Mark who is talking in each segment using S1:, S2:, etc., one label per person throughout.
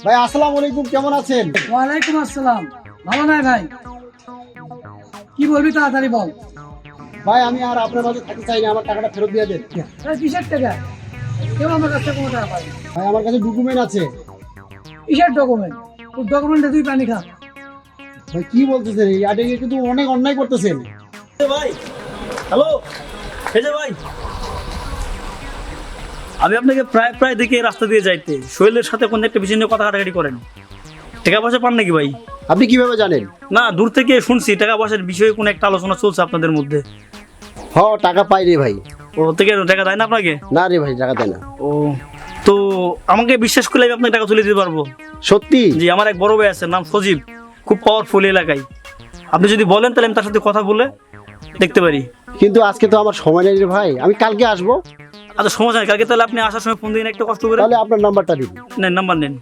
S1: ভাই আসসালামু আলাইকুম, কেমন আছেন?
S2: ওয়ালাইকুম আসসালাম। ভালো নাই ভাই? কি বলবি তাড়াতাড়ি বল।
S1: ভাই আমি আর আপনার মাঝে থাকতে চাই না, আমার টাকাটা ফেরত দিয়ে দেন।
S2: কিসের টাকা? কেউ আমার কাছ থেকে কোনো টাকা পাই।
S1: ভাই আমার কাছে ডকুমেন্ট আছে।
S2: কিসের ডকুমেন্ট? তোর ডকুমেন্টে তুই পানি খা।
S1: ভাই কি বলতেছেন? এই আডে কিন্তু অনেক অন্যায় করতেছেন।
S3: ভাই হ্যালো, এই যে ভাই, আমি আপনাকে প্রায় প্রায় দেখি এই রাস্তা দিয়ে যাইতে শৈলের সাথে কোন একটা বিষয় নিয়ে কথা কাটাকাটি করেন। টাকা পয়সা পান নাকি ভাই?
S1: আপনি কিভাবে জানেন?
S3: না, দূর থেকে শুনছি টাকা পয়সার বিষয়ে কোনো একটা আলোচনা চলছে আপনাদের মধ্যে।
S1: টাকা পাই রে ভাই।
S3: ও থেকে টাকা দেয় না আপনাকে?
S1: না রে ভাই, টাকা দেয় না।
S3: ও, তো আমাকে বিশ্বাস করলে আমি আপনাকে টাকা তুলে দিতে পারবো।
S1: সত্যি?
S3: জি, আমার এক বড় ভাই আছে, নাম সজীব, খুব পাওয়ারফুল এলাকায়। আপনি যদি বলেন তাহলে আমি তার সাথে কথা বলে দেখতে পারি।
S1: কিন্তু আজকে তো আমার সময় নেই রে ভাই, আমি কালকে আসবো।
S3: আচ্ছা সমস্যা নেই, কালকে তাহলে আপনি আসার সময় ফোন দিন, একটু কষ্ট করে।
S1: তাহলে আপনার নাম্বারটা দিন।
S3: নেন, নাম্বার নেন।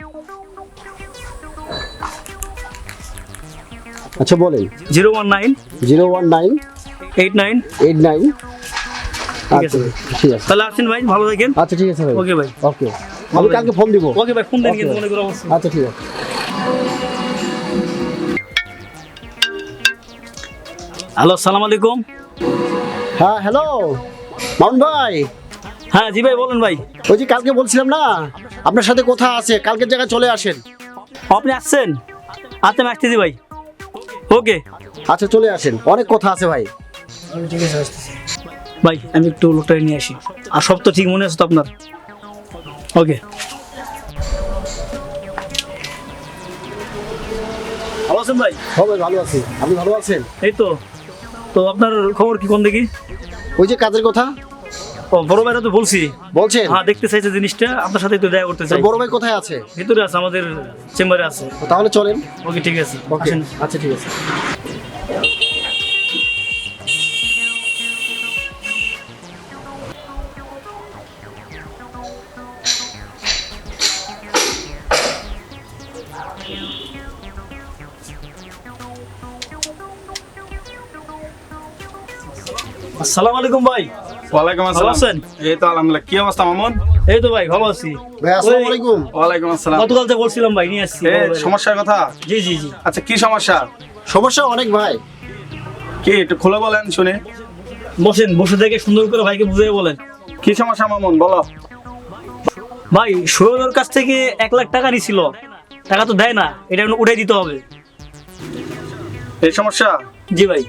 S1: আচ্ছা বলেন।
S3: 019
S1: 019
S3: 89।
S1: 89।
S3: ঠিক আছে,
S1: ঠিক আছে।
S3: তাহলে আসেন ভাই, ভালো থাকেন।
S1: আচ্ছা ঠিক আছে ভাই।
S3: ওকে ভাই।
S1: ওকে, আমি কালকে ফোন দিব।
S3: ওকে ভাই, ফোন দেন
S1: Okay.
S3: কিন্তু মনে করে অবশ্যই।
S1: আচ্ছা ঠিক আছে।
S3: হ্যালো, আসসালামু আলাইকুম।
S1: হ্যাঁ হ্যালো মামুন ভাই।
S3: হ্যাঁ জি ভাই, বলেন ভাই।
S1: ওই যে কালকে বলছিলাম না, আপনার সাথে কথা আছে, কালকের জায়গায় চলে আসেন।
S3: আপনি আসছেন? আচ্ছা আমি আসতেছি ভাই। ওকে
S1: আচ্ছা চলে আসেন, অনেক কথা আছে ভাই।
S2: ঠিক আছে, আসতেছি।
S3: ভাই, আমি একটু লোকটা নিয়ে আসি। আর সব তো ঠিক মনে আছে তো আপনার? ওকে। ভালো আছেন ভাই?
S1: হবে, ভালো আছি। আপনি ভালো আছেন?
S3: এই তো। তো আপনার খবর কি, কোন দেখি?
S1: ওই যে কাজের কথা
S3: ও, বড় ভাইরা তো বলছি।
S1: বলছেন?
S3: হ্যাঁ, দেখতে চাইছে জিনিসটা, আপনার সাথে একটু দেখা করতে চাই।
S1: বড় ভাই কোথায় আছে?
S3: ভিতরে আছে, আমাদের চেম্বারে আছে।
S1: তাহলে চলেন।
S3: ওকে ঠিক আছে,
S1: ওকে
S3: আসেন।
S1: আচ্ছা ঠিক আছে।
S3: আসসালামু আলাইকুম ভাই।
S4: ওয়ালাইকুম
S3: ভালো
S4: আসসালাম।
S3: আছেন?
S4: এই তো আলহামদুলিল্লাহ। কি অবস্থা মামুন?
S3: এই তো ভাই, ভালো আছি।
S1: ভাই আসসালামু আলাইকুম।
S4: ওয়ালাইকুম আসসালাম।
S3: গতকাল যে বলছিলাম ভাই, নিয়ে আসছি।
S4: এই সমস্যার কথা?
S3: জি জি জি।
S4: আচ্ছা কি সমস্যা?
S1: সমস্যা অনেক ভাই।
S4: কি একটু খুলে বলেন শুনে।
S3: বসেন, বসে থেকে সুন্দর করে ভাইকে বুঝিয়ে বলেন।
S4: কি সমস্যা মামুন বলো।
S3: ভাই, সোহেলের কাছ থেকে 1 লাখ টাকা নিছিল, টাকা তো দেয় না, এটা এখন উঠাই দিতে হবে।
S4: এই সমস্যা?
S3: জি ভাই।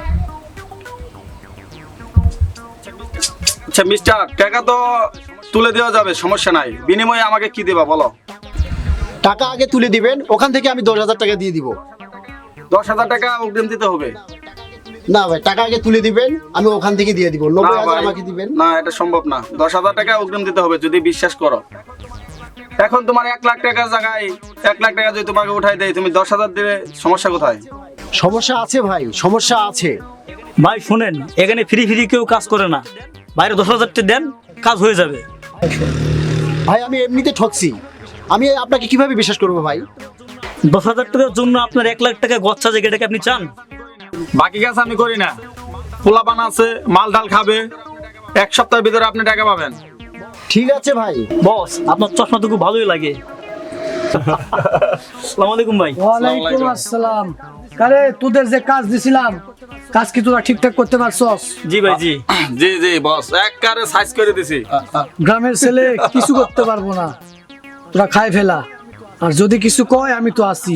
S4: আচ্ছা মিস্টার, টাকা তো তুলে দেওয়া যাবে, সমস্যা নাই। বিনিময়ে আমাকে কি দেবা বলো?
S1: টাকা আগে তুলে দিবেন, ওখান থেকে আমি 10,000 টাকা দিয়ে দিব।
S4: 10,000 টাকা অগ্রিম দিতে হবে?
S1: না ভাই, টাকা আগে তুলে দিবেন, আমি ওখান থেকে দিয়ে দিব।
S4: না
S1: 90,000
S4: ভাই,
S1: আমাকে দিবেন।
S4: না এটা সম্ভব না। 10,000 টাকা অগ্রিম দিতে হবে যদি বিশ্বাস করো। এখন তোমার 1 লাখ টাকার জায়গায় 1 লাখ টাকা যদি তোমাকে উঠাই দেয়, তুমি 10,000 দিলে সমস্যা কোথায়?
S1: সমস্যা আছে ভাই, সমস্যা আছে।
S3: ভাই শুনেন, এখানে ফ্রি ফ্রি কেউ কাজ করে না। বাইরে 10,000 টাকা দেন, কাজ হয়ে যাবে।
S1: ভাই আমি এমনিতে ঠকছি, আমি আপনাকে কিভাবে বিশ্বাস করবো ভাই?
S3: 10,000 টাকার জন্য আপনার 1 লাখ টাকা গচ্ছা জায়গাটাকে আপনি চান?
S4: বাকি কাজ আমি করি না। পোলাপান আছে, মাল ডাল খাবে, 1 সপ্তাহের ভিতরে আপনি টাকা পাবেন।
S1: ঠিক আছে ভাই।
S3: বস, আপনার চশমা তো খুব ভালোই লাগে। আসসালামু আলাইকুম ভাই।
S2: ওয়ালাইকুম আসসালাম। কারে তোদের যে কাজ দিছিলাম, কাজ কি তোরা ঠিকঠাক করতে পারছস?
S3: জি ভাই জি।
S4: জি জি বস, একবারে সাইজ করে দিছি।
S2: গ্রামের ছেলে কিছু করতে পারবো না, তোরা খাই ফেলা। আর যদি কিছু কয় আমি তো আছি।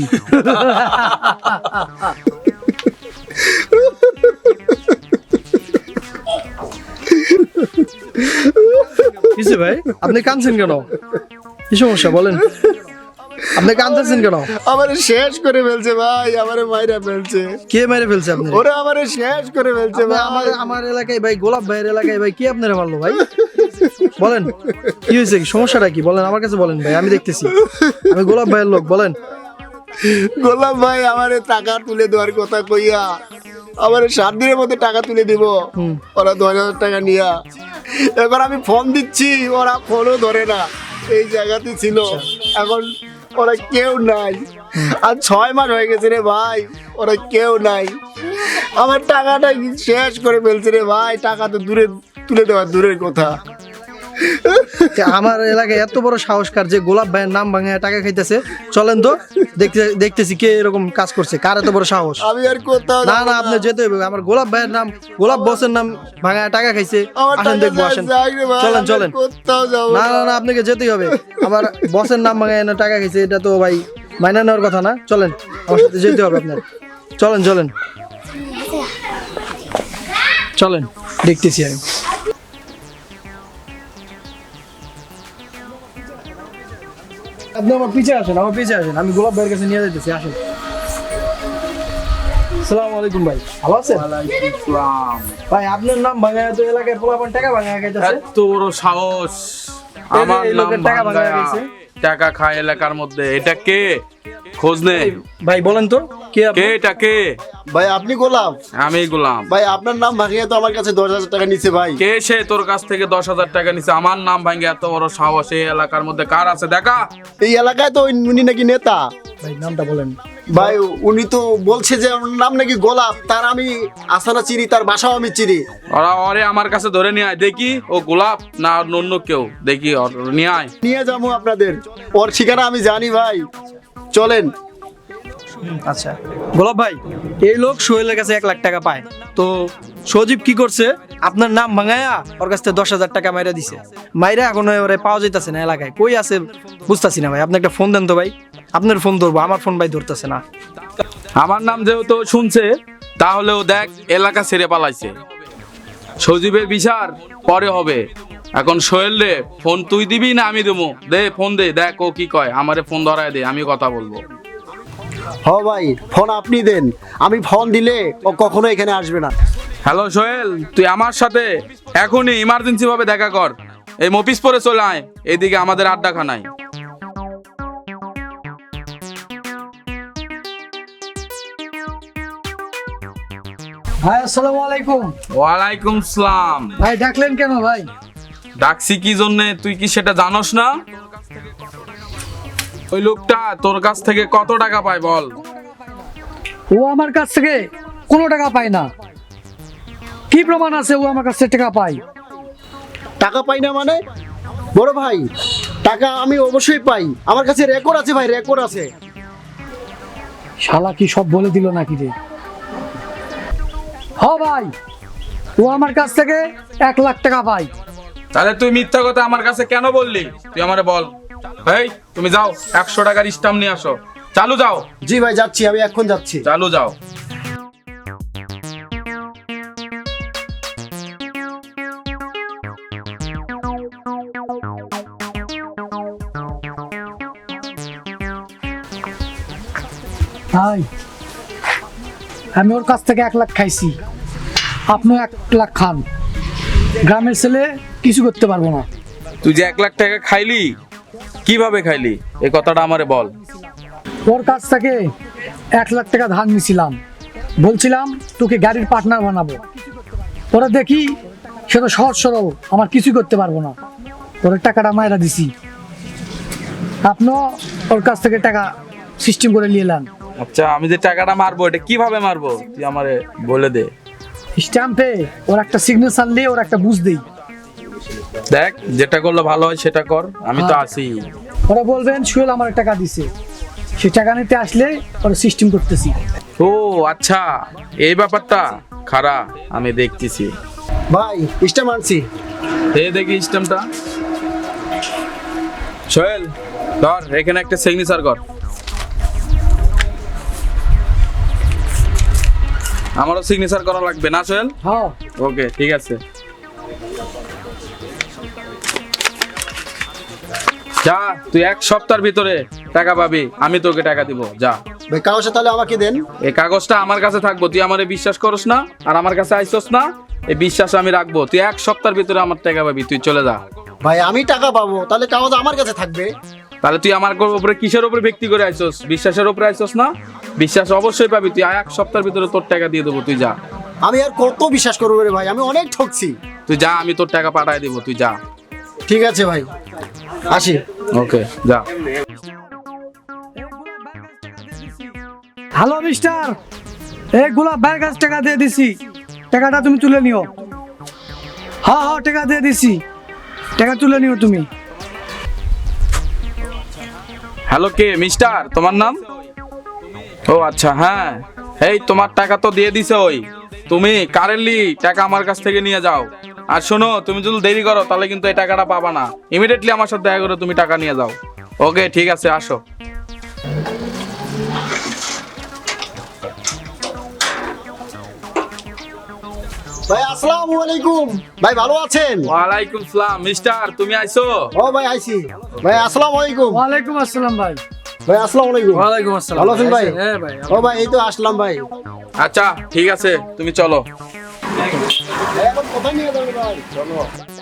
S5: কিসে ভাই, আপনি কাঁদছেন কেন? কি সমস্যা বলেন? আপনি কাঁদতেছেন কেন?
S1: আমারে শেষ করে ফেলছে ভাই, আমারে মাইরা ফেলছে।
S5: কে মেরে ফেলছে আপনি?
S1: ওরা আমারে শেষ করে ফেলছে ভাই।
S5: আমার আমার এলাকায় ভাই, গোলাপ ভাইয়ের এলাকায় ভাই, কে আপনারা মারলো ভাই? বলেন কি হয়েছে, কি সমস্যাটা কি বলেন, আমার কাছে বলেন ভাই, আমি দেখতেছি। আমি গোলাপ ভাইয়ের লোক, বলেন।
S1: গোলাম ভাই আমারে টাকা তুলে দেওয়ার কথা কইয়া আমারে 7 দিনের মধ্যে টাকা তুলে দিব। ওরা 10,000 টাকা নিয়া, এবার আমি ফোন দিচ্ছি, ওরা ফোনও ধরে না। এই জায়গাতে ছিল, এখন ওরা কেউ নাই। আর 6 মাস হয়ে গেছে রে ভাই, ওরা কেউ নাই। আমার টাকাটা শেষ করে ফেলছে রে ভাই। টাকা তো দূরে তুলে দেওয়ার দূরের কথা।
S5: আমার এলাকায় এত বড় সাহসকার যে গোলাপ ভাইয়ের নাম ভাঙায় টাকা খাইতেছে। চলেন তো দেখতেছি কে এরকম কাজ করছে, কার এত বড় সাহস।
S1: আমি আর কোথাও
S5: না
S1: যাবো
S5: না, আপনি যেতে হবে। আমার গোলাপ ভাইয়ের নাম, গোলাপ বসের নাম ভাঙায় টাকা খাইছে।
S1: আমার
S5: আসেন
S1: টাকা
S5: দেখবো, আসেন।
S1: যাক রে ভাই,
S5: চলেন
S1: আমি
S5: চলেন।
S1: কোথাও যাবো
S5: না না না, আপনাকে যেতেই হবে। আমার বসের নাম ভাঙায় না টাকা খাইছে, এটা তো ভাই মাইনা নেওয়ার কথা না। চলেন, আমার সাথে যেতে হবে আপনার। চলেন চলেন চলেন, দেখতেছি আমি। আপনি আমার পিছে আসেন, আমার পিছে আসেন, আমি গোলাপ ভাইয়ের কাছে নিয়ে যাইতেছি। আসেন। আসসালামু আলাইকুম ভাই, ভালো আছেন? ভাই আপনার নাম ভাঙায় তো এলাকায় পোলাপান টাকা ভাঙায় খাইতেছে।
S6: এত বড় সাহস, আমার
S5: এই
S6: নাম
S5: লোকের টাকা ভাঙায়
S6: ভাঙ্গায়া
S5: গেছে।
S6: টাকা খায় এলাকার মধ্যে। এটা কে? খোঁজ নে।
S5: ভাই বলেন তো কে আপনি?
S6: কে এটা কে?
S1: ভাই আপনি গোলাপ?
S6: আমি গোলাম।
S1: ভাই আপনার নাম ভাঙিয়ে তো আমার কাছে 10,000 টাকা নিছে ভাই।
S6: কে সে তোর কাছ থেকে 10,000 টাকা নিছে? আমার নাম ভাঙ্গে এত বড় সাহস এই এলাকার মধ্যে কার আছে দেখা?
S1: এই এলাকায় তো উনি নাকি নেতা।
S5: ভাই নামটা বলেন।
S1: ভাই উনি তো বলছে যে ওর নাম নাকি গোলাপ, তার আমি আসানা চিনি, তার বাসাও আমি চিনি।
S6: ওরে আমার কাছে ধরে নিয়ে আয় দেখি ও গোলাপ না অন্য কেউ, দেখি নিয়ে আয়।
S1: নিয়ে যাবো আপনাদের, ওর ঠিকানা আমি জানি ভাই, চলেন।
S5: আচ্ছা গোলাপ ভাই, এই লোক সোহেলের কাছে 1 লাখ টাকা পায়, তো সজীব কি করছে? আপনার নাম ভাঙায়া ওর কাছ থেকে 10,000 টাকা মাইরা দিছে। মাইরা এখন ওরে পাওয়া যাইতাছে না এলাকায়, কই আছে বুঝতাছি না ভাই। আপনি একটা ফোন দেন তো ভাই, আপনার ফোন ধরবো, আমার ফোন ভাই ধরতেছে না।
S6: আমার নাম যেহেতু শুনছে, তাহলেও দেখ এলাকা ছেড়ে পালাইছে। সজীবের বিচার পরে হবে। এখন সোহেল রে ফোন তুই দিবি না আমি দেবো? দে ফোন দে, দেখ ও কি কয়। আমারে ফোন ধরায় দে, আমি কথা বলবো।
S1: হ ভাই, ফোন আপনি দেন, আমি ফোন দিলে ও কখনো এখানে আসবে না।
S6: হ্যালো সোহেল, তুই আমার সাথে এখনই ইমার্জেন্সি ভাবে দেখা কর। এই মফিস পরে চলে আয়, এইদিকে আমাদের আড্ডাখানায়।
S2: ভাই আসসালামু আলাইকুম।
S6: ওয়ালাইকুম সালাম।
S2: ভাই ডাকলেন কেন ভাই?
S6: ডাকছি কি জন্যে তুই কি সেটা জানোস না? ওই লোকটা তোর কাছ থেকে কত টাকা পায় বল?
S2: ও আমার কাছ থেকে কোনো টাকা পায় না। কি প্রমাণ আছে ও আমার কাছ থেকে টাকা পায়?
S1: টাকা পাই না মানে? বড় ভাই, টাকা আমি অবশ্যই পাই, আমার কাছে রেকর্ড আছে ভাই, রেকর্ড আছে।
S2: শালা কি সব বলে দিল নাকি রে? হ ভাই, ও আমার কাছ থেকে 1 লাখ টাকা পায়।
S6: তাহলে তুই মিথ্যা কথা আমার কাছে কেন বললি? তুই আমারে বল। এই তুমি যাও 100 টাকার স্টাম্প নিয়ে আসো। চালু যাও।
S1: জি ভাই যাচ্ছি, আমি এখন যাচ্ছি।
S6: চালু যাও।
S2: ভাই আমি ওর কাছ থেকে 1 লাখ খাইছি, আপনিও 1 লাখ খান। গ্রামের ছেলে কিছু করতে পারবো না।
S6: তুই যে 1 লাখ টাকা খাইলি, কিভাবে খাইলি এই কথাটা আমারে বল।
S2: ওর কাছ থেকে 1 লাখ টাকা ধার নিছিলাম, বলছিলাম তোকে গাড়ির পার্টনার বানাবো। ওরা দেখি সে তো সহজ সরল, আমার কিছু করতে পারবো না। ওর টাকাটা মায়েরা দিছি, আপনিও ওর কাছ থেকে টাকা সিস্টেম করে নিয়ে এলেন।
S6: আচ্ছা আমি যে টাকাটা মারবো এটা কিভাবে মারবো তুই আমারে বলে দে।
S2: স্ট্যাম্পে ওর একটা সিগনেচার দিয়ে ওর একটা বুঝ দেই।
S6: দেখ যেটা করলে ভালো হয় সেটা কর, আমি তো আছি।
S2: ওরা বলবেন সোহেল আমার টাকা দিছে, সে টাকা নিতে আসলে ওরা সিস্টেম করতেছি।
S6: ও আচ্ছা এই ব্যাপারটা, খারা আমি দেখতেছি।
S1: ভাই স্টেম আনছি।
S6: এই দেখি সিস্টেমটা। সোহেল ধর এখানে একটা সিগনেচার কর। আমারও সিগনেচার করা লাগবে না সোহেল?
S2: হ্যাঁ
S6: ওকে ঠিক আছে। যা তুই 1 সপ্তাহের ভিতরে টাকা পাবি, আমি তোকে টাকা দিব। যা
S1: ভাই কাগজটা তাহলে আমাকে দেন।
S6: এই কাগজটা আমার কাছে থাকবো। তুই আমারে বিশ্বাস করস না আর আমার কাছে আইসস না, এই বিশ্বাস আমি রাখবো। তুই 1 সপ্তাহের ভিতরে আমার টাকা পাবি, তুই চলে যা।
S1: ভাই আমি টাকা পাবো, তাহলে কাগজ আমার কাছে থাকবে।
S6: তাহলে তুই আমার উপরে কিসের উপরে ব্যক্তি করে আইসস? বিশ্বাসের উপরে আইসস না? বিশ্বাস অবশ্যই পাবি। তুই 1 সপ্তাহের ভিতরে তোর টাকা দিয়ে দেবো, তুই যা।
S1: আমি আর কত বিশ্বাস করবো রে ভাই, আমি অনেক ঠকছি।
S6: তুই যা, আমি তোর টাকা পাঠায় দিব, তুই যা।
S1: ঠিক আছে ভাই, আসি।
S6: ওকে যা।
S2: হ্যালো মিস্টার, এই গোলাপ ভাইয়ের কাছে টাকা দিয়ে দিছি, টাকাটা তুমি তুলে নিও। হ্যাঁ হ্যাঁ টাকা দিয়ে দিছি, টাকা তুলে নিও তুমি।
S6: হ্যালো, কে মিস্টার? তোমার নাম? ও আচ্ছা, হ্যাঁ। এই তোমার টাকা তো দিয়ে দিছে ওই। তুমি কারেন্টলি টাকা আমার কাছ থেকে নিয়ে যাও। আর শোনো, তুমি যদি দেরি করো তাহলে কিন্তু এই টাকাটা পাবা না। ইমিডিয়েটলি আমার সাথে দেখা করে তুমি টাকা নিয়ে যাও। ওকে, ঠিক আছে, আসো।
S1: ভাই আসসালামু আলাইকুম। ভাই ভালো আছেন?
S6: ওয়ালাইকুম সালাম। মিস্টার, তুমি আইছো?
S1: ও ভাই আইছি। ভাই আসসালামু আলাইকুম।
S2: ওয়ালাইকুম আসসালাম ভাই।
S1: ভাই আসসালামু আলাইকুম।
S5: ওয়ালাইকুম আসসালাম।
S1: ভালো আছেন ভাই?
S5: হ্যাঁ ভাই।
S1: ও ভাই এই তো আসলাম ভাই।
S6: আচ্ছা, ঠিক আছে, তুমি চলো।
S1: এখন কোথায় নিয়ে যাবেন ভাই? চলো।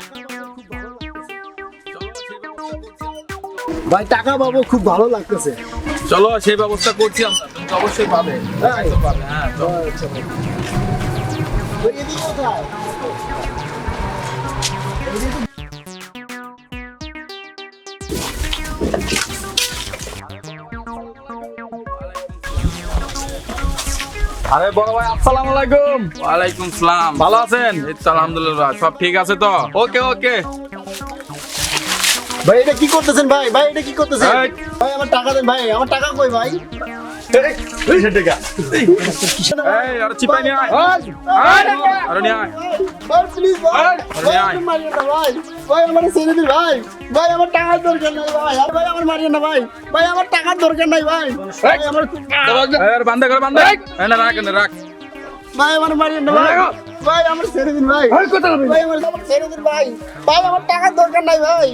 S1: ভাই টাকা পাবো, খুব ভালো লাগতেছে।
S6: চলো, সেই ব্যবস্থা করছি আমরা। তুমি তো অবশ্যই পাবে।
S1: হ্যাঁ।
S6: পাবে, হ্যাঁ, চলো।
S1: ভাই এদিকে কোথায়?
S6: আরে বড় ভাই, আসসালামু আলাইকুম। ওয়ালাইকুম সালাম। ভালো আছেন? এই তো আলহামদুলিল্লাহ, সব ঠিক আছে তো? ওকে ওকে।
S1: ভাই এটা কি করতেছেন ভাই? ভাই এটা কি করতেছেন?
S6: এই।
S1: ভাই আমার টাকা দেন ভাই, আমার টাকা কই ভাই?
S6: এই, আরে চিপাই নিয়ে আয়। আরে নিয়ে আয়।
S1: ভাই প্লিজ ভাই,
S6: আরে
S1: ভাই
S6: আয়।
S1: আমার মারিয়েন না ভাই, ভাই আমার ছেড়ে দিন ভাই, ভাই আমার টাকার দরকার নাই ভাই, আর ভাই আমার মারিয়েন না ভাই, ভাই আমার টাকার দরকার নাই ভাই, ভাই আমার
S6: এই, আরে বান্ধে করে বান্ধে। এই না, রাখ না, রাখ।
S1: ভাই আমার মারিয়েন না ভাই, ভাই আমার ছেড়ে দিন ভাই, ভাই আমার ছেড়ে দিন ভাই, ভাই আমার টাকার দরকার নাই ভাই।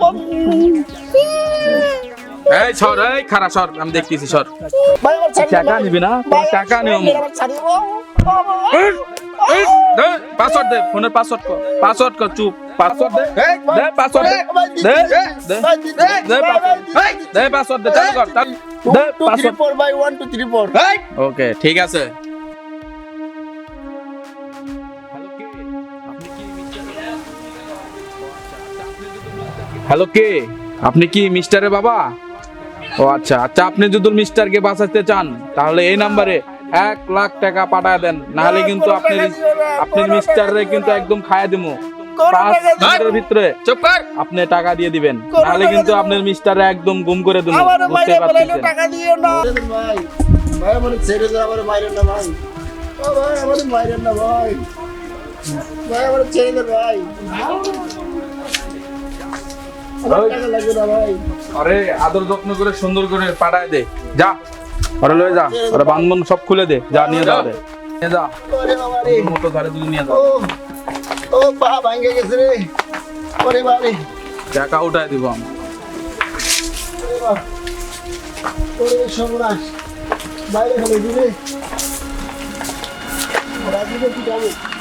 S6: এই সর, এই খারা সর, আমি দেখতেছি, সর।
S1: ভাই আমার ছেড়ে দিন
S6: টাকা
S1: ভাই।
S6: নিবি না?
S1: ভাই,
S6: টাকা নিও।
S1: আমার ছেড়ে দিন।
S6: দে পাসওয়ার্ড দে, ফোনের পাসওয়ার্ড কর, পাসওয়ার্ড কর, চুপ, পাসওয়ার্ড দে, দে পাসওয়ার্ড দে, দে দে দে পাসওয়ার্ড, দে পাসওয়ার্ড দে, চালু কর, চালু দে পাসওয়ার্ড।
S1: 4 ভাই 1 2 3 4
S6: ওকে, ঠিক আছে। হ্যালো, কে? আপনি কি মিস্টারের বাবা? ও আচ্ছা আচ্ছা, আপনি যদি মিস্টারকে বাঁচাতে চান তাহলে এই নাম্বারে 1,00,000 টাকা পাঠায় দেন, নাহলে কিন্তু আপনি মিস্টারে কিন্তু একদম খায়া দিমু। 5 মিনিটের ভিতরে চুপ কর, আপনি টাকা দিয়ে দিবেন, নাহলে কিন্তু আপনার মিস্টারে একদম গুম করে দিমু।
S1: আমার
S6: বুঝতে
S1: মাইরে
S6: পারছেন?
S1: বলাইলো টাকা দিও না ভাই, ভাই আমার ছেড়ে দাও, আমার মাইরেন না ভাই, ও ভাই আমার মাইরেন না ভাই, ভাই আমার ছেড়ে দাও ভাই, আমার টাকা লাগবে না ভাই।
S6: আরে আদর যত্ন করে সুন্দর করে পাঠায় দে, যা ওরা লয়ে যা, ওরা বান্ধবন সব খুলে দে, যা নিয়ে যা, ওরে নিয়ে যা,
S1: ওরে বাবা রে,
S6: ওর মতো ঘরে তুলে নিয়ে যা,
S1: ও ও পা ভাঙে গেছে রে, ওরে বাবা রে,
S6: টাকা উঠায় দিব আমি।
S1: ওরে বাবা, ওরে সর্বনাশ, বাইরে ফেলে দিলে, ওরা দিলে কি যাবে?